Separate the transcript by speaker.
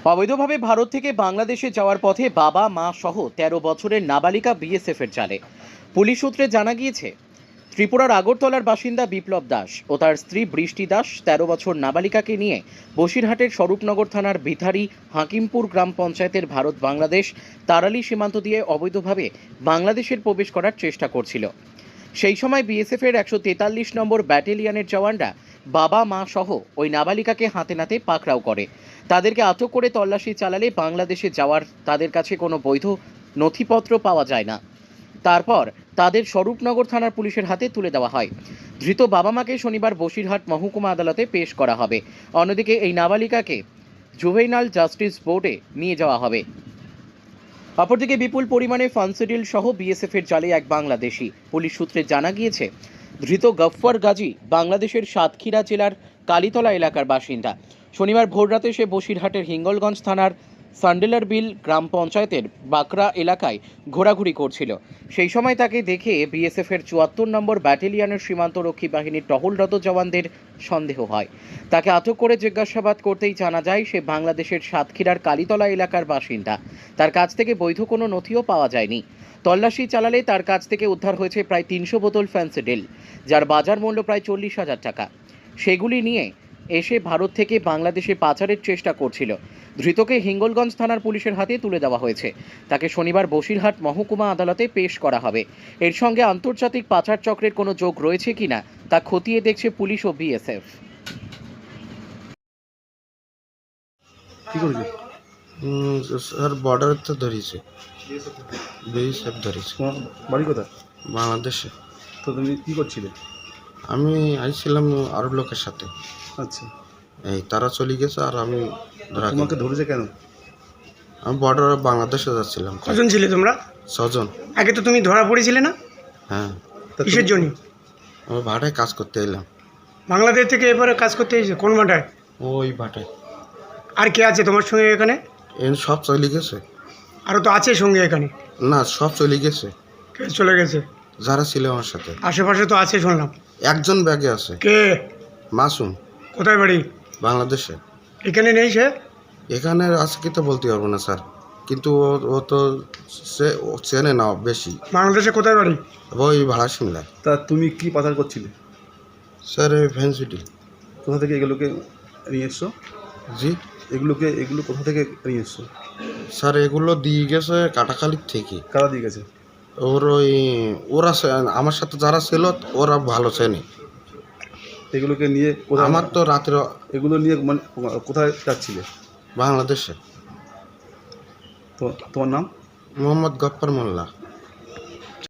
Speaker 1: অবৈধভাবে ভারত থেকে বাংলাদেশে যাওয়ার পথে বাবা মা সহ ১৩ বছরের নাবালিকা বিএসএফের জালে। পুলিশ সূত্রে জানা গিয়েছে, ত্রিপুরার আগরতলার বাসিন্দা বিপ্লব দাস ও তার স্ত্রী বৃষ্টি দাস ১৩ বছর নাবালিকাকে নিয়ে বসিরহাটের স্বরূপনগর থানার ভিথারি হাকিমপুর গ্রাম পঞ্চায়েতের ভারত বাংলাদেশ তারালি সীমান্ত দিয়ে অবৈধভাবে বাংলাদেশের প্রবেশ করার চেষ্টা করছিল। সেই সময় বিএসএফের ১৪৩ নম্বর ব্যাটালিয়নের জওয়ানরা বাবা মা সহ ওই নাবালিকাকে হাতে নাতে পাকড়াও করে। তাদেরকে আটক করে তল্লাশি চালালে বাংলাদেশে যাওয়ার তাদের কাছে কোনো বৈধ নথিপত্র পাওয়া যায় না। তারপর তাদের স্বরূপনগর থানার পুলিশের হাতে তুলে দেওয়া হয়। ধৃত বাবা মাকে শনিবার বসিরহাট মহকুমা আদালতে পেশ করা হবে। অন্যদিকে এই নাবালিকাকে জুভেনাইল জাস্টিস বোর্ডে নিয়ে যাওয়া হবে। অপরদিকে বিপুল পরিমাণে ফান্সিডিল সহ বিএসএফের জালে এক বাংলাদেশি। পুলিশ সূত্রে জানা গিয়েছে, ধৃত গফফর গাজী বাংলাদেশের সাতক্ষীরা জেলার কালীতলা এলাকার বাসিন্দা। শনিবার ভোররাতে সে বসিরহাটের হিঙ্গলগঞ্জ থানার সান্ডেলার বিল গ্রাম পঞ্চায়েতের বাকরা এলাকায় ঘোরাঘুরি করছিল। সেই সময় তাকে দেখে বিএসএফের ৭৪ নম্বর ব্যাটালিয়নের সীমান্তরক্ষী বাহিনীর টহলরত জওয়ানদের সন্দেহ হয়। তাকে আটক করে জিজ্ঞাসাবাদ করতেই জানা যায় সে বাংলাদেশের সাতক্ষীরার কালীতলা এলাকার বাসিন্দা। তার কাছ থেকে বৈধ কোনো নথিও পাওয়া যায়নি। তল্লাশি চালালে তার কাছ থেকে উদ্ধার হয়েছে প্রায় ৩০০ বোতল ফ্যান্সিডিল, যার বাজার মূল্য প্রায় ৪০,০০০ টাকা। সেগুলি নিয়ে এসে ভারত থেকে বাংলাদেশে পাচারের চেষ্টা করছিল। ধৃতকে হিঙ্গলগঞ্জ থানার পুলিশের হাতে তুলে দেওয়া হয়েছে। তাকে শনিবার বসিরহাট মহকুমা আদালতে পেশ করা হবে। এর সঙ্গে আন্তর্জাতিক পাচার চক্রের কোনো যোগ রয়েছে কিনা তা খতিয়ে দেখছে পুলিশ ও বিএসএফ।
Speaker 2: কি করেছে?
Speaker 3: স্যার বর্ডার তো ধরেছে, বিএসএফ ধরেছে।
Speaker 2: তোমার বাড়ি কোথায়?
Speaker 3: বাংলাদেশে।
Speaker 2: তো তুমি কি করছিলে?
Speaker 3: আমি আইছিলাম আরব লোকের সাথে,
Speaker 2: আচ্ছা,
Speaker 3: এই তারা চলে গেছে আর আমি ধরা
Speaker 2: তোমাকে ধরেছে কেন?
Speaker 3: আমি বর্ডারে বাংলাদেশে যাচ্ছিলাম।
Speaker 4: কজন ছিলে তোমরা?
Speaker 3: ৬ জন।
Speaker 4: আগে তো তুমি ধরা পড়েছিলে না?
Speaker 3: হ্যাঁ,
Speaker 2: তা
Speaker 4: কিসের জন্য?
Speaker 3: আমি ভাটায় কাজ করতে এলাম।
Speaker 4: বাংলাদেশ থেকে এবারে কাজ করতে এসেছে কোন মাঠায়?
Speaker 3: ওই ভাটায়
Speaker 4: আর কে আছে তোমার সঙ্গে এখানে?
Speaker 3: সব চলে গেছে।
Speaker 4: আরও তো আছে সঙ্গে এখানে।
Speaker 3: না, সব চলে গেছে
Speaker 4: কে চলে গেছে?
Speaker 3: যারা ছিল আমার সাথে।
Speaker 4: আশেপাশে তো আছে শুনলাম।
Speaker 3: একজন ব্যাগে আছে,
Speaker 4: কে?
Speaker 3: মাসুম,
Speaker 4: কোথায় বাড়ি?
Speaker 3: বাংলাদেশে।
Speaker 4: এখানে নেই সে?
Speaker 3: এখানে আছে কি তো বলতে পারবো না স্যার, কিন্তু ও তো ও চেনে না বেশি।
Speaker 4: বাংলাদেশে কোথায় বাড়ি?
Speaker 3: ওই ভাড়া সিমলায়।
Speaker 2: তা তুমি কি পাচার করছিলে?
Speaker 3: স্যার এই ফ্যান্সিডিল।
Speaker 2: কোথা থেকে এগুলোকে নিয়ে এসছো?
Speaker 3: জি
Speaker 2: এগুলো কোথা থেকে নিয়ে এসছো?
Speaker 3: স্যার এগুলো দিয়ে গেছে কাটাখালির থেকে।
Speaker 2: কারা দিয়ে গেছে?
Speaker 3: ওরা আমার সাথে যারা ছিল ওরা ভালো চেনে।
Speaker 2: এগুলোকে নিয়ে কোথায়?
Speaker 3: আমার তো রাত্রে
Speaker 2: এগুলো নিয়ে মানে কোথায় যাচ্ছিলে?
Speaker 3: বাংলাদেশে।
Speaker 2: তো তোমার নাম?
Speaker 3: মোহাম্মদ গফফর মোল্লা।